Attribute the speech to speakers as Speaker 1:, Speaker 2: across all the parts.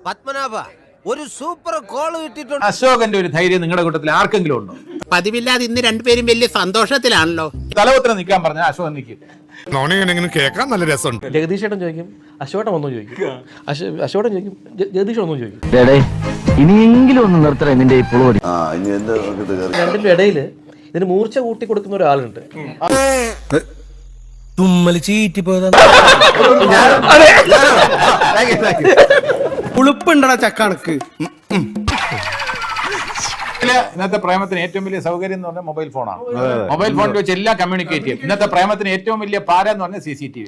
Speaker 1: പത്മനാഭ ഒരു super call കിട്ടിയിട്ടുണ്ട്.
Speaker 2: അശോകന്റെ ഒരു ധൈര്യം നിങ്ങളുടെ കൂട്ടത്തിൽ ആർക്കെങ്കിലും ഉണ്ടോ?
Speaker 3: പതിവില്ലാതെ ഇന്ന് രണ്ടുപേരും വലിയ സന്തോഷത്തിലാണല്ലോ.
Speaker 2: തലപത്രം നിൽക്കാൻ പറഞ്ഞ അശോകൻ നിൽക്കും.
Speaker 4: കേൾക്കാൻ നല്ല രസമുണ്ട്.
Speaker 5: ജഗദീഷേട്ടൻ ചോദിക്കും, അശോകൻ വന്നു ചോദിക്കും, അശോകൻ ചോദിക്കും, ജഗദീഷ് വന്നു ചോദിക്കും.
Speaker 6: ഇനിയെങ്കിലും ഒന്ന് നിർത്തണേ നിന്റെ ഈ പുളോടി.
Speaker 5: രണ്ടിന്റെ ഇടയില് ഇതിന് മൂർച്ച കൂട്ടി കൊടുക്കുന്ന ഒരാളുണ്ട്.
Speaker 1: തുമ്മല് ചീറ്റിപ്പോയതാ.
Speaker 7: ഉളുപ്പുണ്ടടാ ചക്കണക്ക്.
Speaker 2: ഇന്നത്തെ പ്രേമത്തിന് ഏറ്റവും വലിയ സൗകര്യം എന്ന് പറഞ്ഞാൽ മൊബൈൽ ഫോണാണ്. മൊബൈൽ ഫോണിൽ വെച്ച് എല്ലാം കമ്മ്യൂണിക്കേറ്റ് ചെയ്യും. ഇന്നത്തെ പ്രേമത്തിന് ഏറ്റവും വലിയ പാര എന്ന് പറഞ്ഞാൽ CCTV.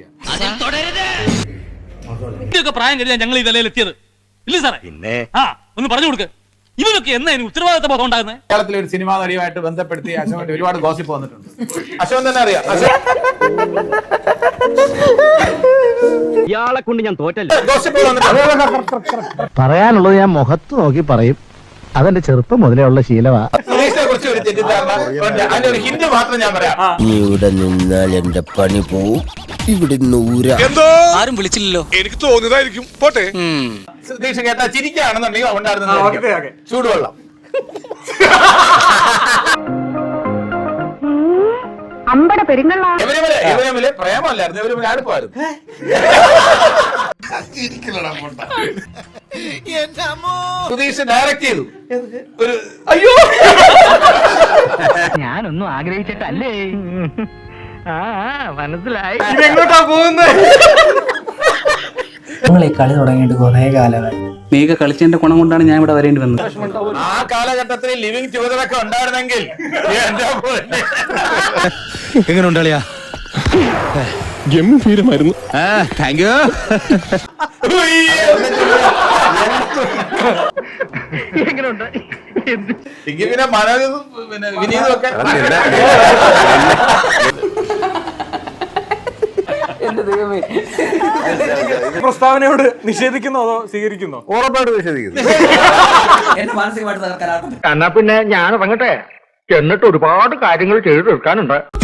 Speaker 8: പ്രായം കഴിഞ്ഞാൽ ഞങ്ങൾ ഈ നിലയിലെത്തിയത് ഇല്ല സാറേ. പിന്നെ ഒന്ന് പറഞ്ഞു കൊടുക്ക്, ഇവരൊക്കെ എന്നാ ഉത്തരവാദിത്ത ബോധം ഉണ്ടാകുന്നത്?
Speaker 2: കേരളത്തിലെ ഒരു സിനിമാ നടിയുമായിട്ട് ബന്ധപ്പെടുത്തി അശോകന്റെ ഒരുപാട് ഗോസിപ്പ് വന്നിട്ടുണ്ട്. അശോകൻ തന്നെ അറിയാം.
Speaker 6: ഇയാളെ കൊണ്ട് ഞാൻ തോറ്റല്ല.
Speaker 2: ഗോസിപ്പ് വന്നിട്ടുണ്ട്.
Speaker 6: പറയാനുള്ളത് ഞാൻ മുഖത്ത് നോക്കി പറയും. അതെന്റെ ചെറുപ്പം മുതലേ ഉള്ള ശീലമാ.
Speaker 2: സുധീഷിനെ കുറിച്ച് ഒരു തെറ്റിദ്ധാരണ ഉണ്ട്. അതിന്റെ ഒരു ഹിന്റ് മാത്രം ഞാൻ പറയാം.
Speaker 1: ഇവിടെ നിന്നാൽ എന്റെ പണി പോവും. ഇവിടെ
Speaker 4: എന്തോ
Speaker 8: ആരും വിളിച്ചില്ലല്ലോ.
Speaker 4: എനിക്ക് തോന്നിയതായിരിക്കും. പോട്ടെ.
Speaker 2: സുധീഷ് കേട്ടാ ചിരിക്കുകയാണെന്നുണ്ടെങ്കിൽ ഉണ്ടായിരുന്ന ചൂടുവെള്ളം. ഇവരെ പ്രേമല്ലായിരുന്നു, ഇവര് അടുപ്പായിരുന്നു. സുധീഷ് ഡയറക്ട് ചെയ്തു. ഒരു
Speaker 5: അയ്യോ,
Speaker 6: ഞാനൊന്നും ആഗ്രഹിച്ചിട്ടല്ലേ. മനസ്സിലായി.
Speaker 5: ഇതെങ്ങോട്ടാ പോകുന്നത്?
Speaker 7: നിങ്ങൾ ഈ കളി തുടങ്ങിയിട്ട് കുറെ കാലമായി.
Speaker 8: നീയൊക്കെ കളിച്ചതിന്റെ ഗുണം കൊണ്ടാണ് ഞാൻ ഇവിടെ വരേണ്ടി വന്നത്.
Speaker 2: ആ കാലഘട്ടത്തിൽ ലിവിങ് ടുഗദറൊക്കെ ഉണ്ടായിരുന്നെങ്കിൽ
Speaker 1: എങ്ങനെ ഉണ്ടാളിയാ?
Speaker 4: ഗംഭീരമായിരുന്നു.
Speaker 1: Thank you.
Speaker 2: പിന്നെ മനോജും പിന്നെ വിനീതും ഒക്കെ
Speaker 5: പ്രസ്താവനയോട് നിഷേധിക്കുന്നോ അതോ സ്വീകരിക്കുന്നോ?
Speaker 2: ഉറപ്പായിട്ട് നിഷേധിക്കുന്നു.
Speaker 7: എന്നെ മാനസികമായിട്ട് തകർക്കാൻ.
Speaker 6: എന്നാ പിന്നെ ഞാൻ ഇറങ്ങട്ടെ. എന്നിട്ട് ഒരുപാട് കാര്യങ്ങൾ ചെയ്തു തീർക്കാനുണ്ട്.